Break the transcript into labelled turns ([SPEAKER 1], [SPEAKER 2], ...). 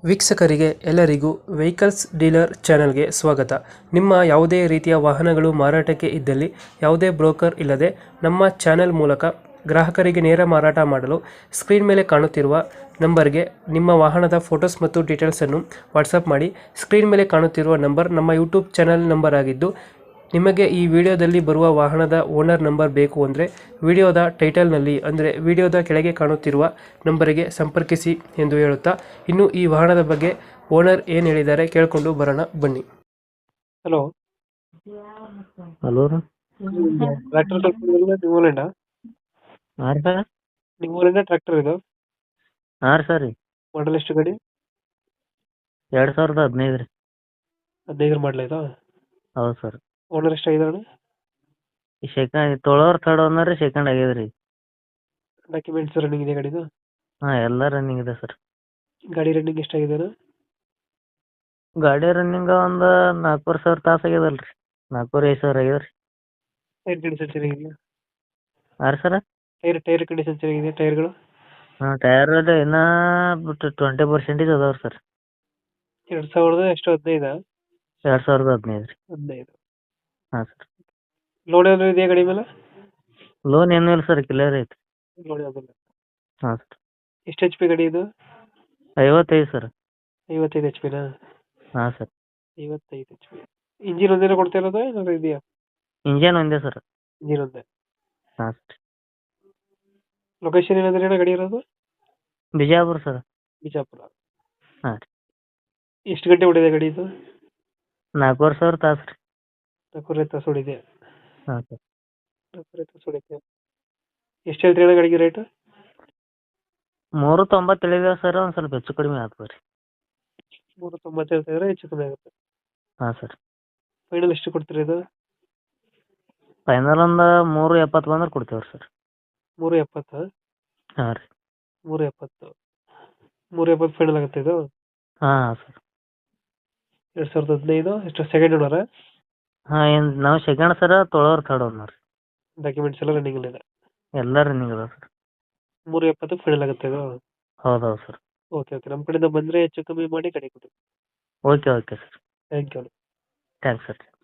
[SPEAKER 1] ವೀಕ್ಷಕರಿಗೆ ಎಲ್ಲರಿಗೂ vehicles dealer ಚಾನೆಲ್ಗೆ ಸ್ವಾಗತ. ನಿಮ್ಮ ಯಾವುದೇ ರೀತಿಯ ವಾಹನಗಳು ಮಾರಾಟಕ್ಕೆ ಇದ್ದಲ್ಲಿ ಯಾವುದೇ ಬ್ರೋಕರ್ ಇಲ್ಲದೆ ನಮ್ಮ ಚಾನೆಲ್ ಮೂಲಕ ಗ್ರಾಹಕರಿಗೆ ನೇರ ಮಾರಾಟ ಮಾಡಲು ಸ್ಕ್ರೀನ್ ಮೇಲೆ ಕಾಣುತ್ತಿರುವ ನಂಬರ್ಗೆ ನಿಮ್ಮ ವಾಹನದ ಫೋಟೋಸ್ ಮತ್ತು ಡೀಟೇಲ್ಸನ್ನು ವಾಟ್ಸಪ್ ಮಾಡಿ. ಸ್ಕ್ರೀನ್ ಮೇಲೆ ಕಾಣುತ್ತಿರುವ ನಂಬರ್ ನಮ್ಮ ಯೂಟ್ಯೂಬ್ ಚಾನೆಲ್ ನಂಬರ್ ಆಗಿದ್ದು, ನಿಮಗೆ ಈ ವಿಡಿಯೋದಲ್ಲಿ ಬರುವ ವಾಹನದ ಓನರ್ ನಂಬರ್ ಬೇಕು ಅಂದರೆ ವಿಡಿಯೋದ ಟೈಟಲ್ನಲ್ಲಿ ಅಂದರೆ ವಿಡಿಯೋದ ಕೆಳಗೆ ಕಾಣುತ್ತಿರುವ ನಂಬರಿಗೆ ಸಂಪರ್ಕಿಸಿ ಎಂದು ಹೇಳುತ್ತಾ, ಇನ್ನು ಈ ವಾಹನದ ಬಗ್ಗೆ ಓನರ್ ಏನು ಹೇಳಿದ್ದಾರೆ ಕೇಳಿಕೊಂಡು ಬರೋಣ ಬನ್ನಿ. ಹಲೋ,
[SPEAKER 2] ಹಲೋ ರೀ.
[SPEAKER 1] ಟ್ರ್ಯಾಕ್ಟರ್ ನಿಮ್ಮೂರಿಂದ
[SPEAKER 2] ಹಾಂ ರೀ ಸರ್.
[SPEAKER 1] ನಿಮ್ಮೂರಿಂದ ಟ್ರ್ಯಾಕ್ಟರ್ ಇದು
[SPEAKER 2] ಹಾಂ ರೀ ಸರ್ ರೀ.
[SPEAKER 1] ಮಾಡಲ್ ಎಷ್ಟು ಗಾಡಿ?
[SPEAKER 2] 2015 ರೀ.
[SPEAKER 1] 15 ಮಾಡಲ ಇದು.
[SPEAKER 2] ಹೌದು ಸರ್.
[SPEAKER 1] ಓನರ್ ಎಷ್ಟಾಗಿದ್ದಾನೆ?
[SPEAKER 2] ಈ ತೊಳೋರ್ ಥರ್ಡ್ ಓನರ್ ರೀ, ಸೆಕೆಂಡ್ ಆಗ್ಯದ ರೀ.
[SPEAKER 1] ಡಾಕ್ಯುಮೆಂಟ್ಸ್ ರನ್ನಿಂಗ್ ಇದೆ ಗಾಡಿದು?
[SPEAKER 2] ಹಾಂ, ಎಲ್ಲ ರನ್ನಿಂಗ್ ಇದೆ ಸರ್.
[SPEAKER 1] ಗಾಡಿ ರನ್ನಿಂಗ್ ಎಷ್ಟಾಗಿದೆ?
[SPEAKER 2] ಗಾಡಿ ರನ್ನಿಂಗ್ ಒಂದು 4,500 ತಾಸು ಆಗ್ಯದಲ್ಲ ರೀ. 4,500 ಆಗ್ಯದ ರೀ.
[SPEAKER 1] ಟೈರ್ ಕಂಡೀಷನ್ ಚೆನ್ನಾಗಿದೆಯಾ?
[SPEAKER 2] ಹಾಂ ರೀ ಸರ್.
[SPEAKER 1] ಟೈರ್ ಕಂಡೀಷನ್ ಚೆನ್ನಾಗಿದೆ ಟೈರ್ಗಳು?
[SPEAKER 2] ಹಾಂ, ಟೈರ್ ಇನ್ನೂ ಬಿಟ್ಟು 20% ಅದಾವೆ ಸರ್.
[SPEAKER 1] 2000 ಎಷ್ಟು 15?
[SPEAKER 2] 2015 ರೀ.
[SPEAKER 1] 15.
[SPEAKER 2] ಹಾಂ ಸರ್.
[SPEAKER 1] ಲೋನ್ ಏನಾದ್ರು ಇದೆಯಾ ಗಾಡಿ ಮೇಲೆ?
[SPEAKER 2] ಲೋನ್ ಏನೂ ಇಲ್ಲ ಸರ್, ಕ್ಲಿಯರ್ ಐತಿ.
[SPEAKER 1] ಲೋನ್ ಯಾವುದಿಲ್ಲ.
[SPEAKER 2] ಹಾಂ ಸರ್.
[SPEAKER 1] ಎಷ್ಟು ಎಚ್ ಪಿ ಗಾಡಿ ಇದು?
[SPEAKER 2] 55 ಸರ್.
[SPEAKER 1] 55 ಎಚ್ ಪಿನಾ?
[SPEAKER 2] ಹಾಂ ಸರ್.
[SPEAKER 1] 55 ಎಚ್ ಪಿ. ಇಂಜಿನ್ ಒಂದೇನ ಕೊಡ್ತಾ ಇರೋದು ಏನಾದ್ರು ಇದೆಯಾ?
[SPEAKER 2] ಇಂಜನ್ ಒಂದೇ ಸರ್.
[SPEAKER 1] ಇಂಜಿನ್ ಒಂದೇ.
[SPEAKER 2] ಹಾಂ ಸರ್.
[SPEAKER 1] ಲೊಕೇಶನ್ ಏನಾದ್ರೆ ಏನೋ ಗಾಡಿ ಇರೋದು?
[SPEAKER 2] ಬಿಜಾಪುರ ಸರ್.
[SPEAKER 1] ಬಿಜಾಪುರ.
[SPEAKER 2] ಹಾಂ ರೀ.
[SPEAKER 1] ಎಷ್ಟು ಗಂಟೆ ಹೊಡಿದೆ ಗಾಡಿ ಇದು?
[SPEAKER 2] 4,500 ತಾಸು ರೀ.
[SPEAKER 1] 4 ತಾಸು ಹೊಡಿದೆ.
[SPEAKER 2] ಹಾಂ ಸರ್.
[SPEAKER 1] 4 ತಾಸು ಹೊಡಿದೆ. ಎಷ್ಟು ಹೇಳ್ತೀರಿ ಅಣ್ಣ ಗಾಡಿಗೆ ರೇಟ್?
[SPEAKER 2] 390 ಹೇಳಿದೇವೆ ಸರ್, ಒಂದು ಸ್ವಲ್ಪ ಹೆಚ್ಚು ಕಡಿಮೆ ಆಗ್ತದೆ ರೀ.
[SPEAKER 1] 390 ಹೇಳ್ತಾ ಇದ್ರೆ ಹೆಚ್ಚು ಕಮ್ಮಿ ಆಗುತ್ತೆ.
[SPEAKER 2] ಹಾಂ ಸರ್.
[SPEAKER 1] ಫೈನಲ್ ಎಷ್ಟು ಕೊಡ್ತೀರಿ ಇದು?
[SPEAKER 2] ಫೈನಲ್ ಒಂದು 370 ಬಂದ್ರೆ ಕೊಡ್ತೇವೆ ರೀ ಸರ್.
[SPEAKER 1] 370?
[SPEAKER 2] ಹಾಂ ರೀ.
[SPEAKER 1] 370. 370 ಫೈನಲ್ ಆಗುತ್ತೆ ಇದು?
[SPEAKER 2] ಹಾಂ ಹಾಂ ಸರ್.
[SPEAKER 1] 2015 ಎಷ್ಟು ಸೆಕೆಂಡ್ ಓನರ?
[SPEAKER 2] ಹಾಂ, ಏನು ನಾವು ಸೆಕೆಂಡ್ ಸರ, ತೊಳೋರು ಥರ್ಡ್ ಓನರ್ ರೀ.
[SPEAKER 1] ಡಾಕ್ಯುಮೆಂಟ್ಸ್ ಎಲ್ಲ ರನ್ನಿಂಗ್ ಇದೆ?
[SPEAKER 2] ಎಲ್ಲ ರನ್ನಿಂಗ್ ಅದಾವೆ ಸರ್.
[SPEAKER 1] 370 ಫೈನಲ್ ಆಗುತ್ತೆ ಇದು?
[SPEAKER 2] ಹೌದು ಹೌದು ಸರ್.
[SPEAKER 1] ಓಕೆ ಓಕೆ, ನಮ್ಮ ಕಡೆಯಿಂದ ಬಂದರೆ ಹೆಚ್ಚು ಕಮ್ಮಿ ಮಾಡಿ ಗಾಡಿ ಕೊಡಿ.
[SPEAKER 2] Okay okay sir.
[SPEAKER 1] Thank you.
[SPEAKER 2] Thanks sir.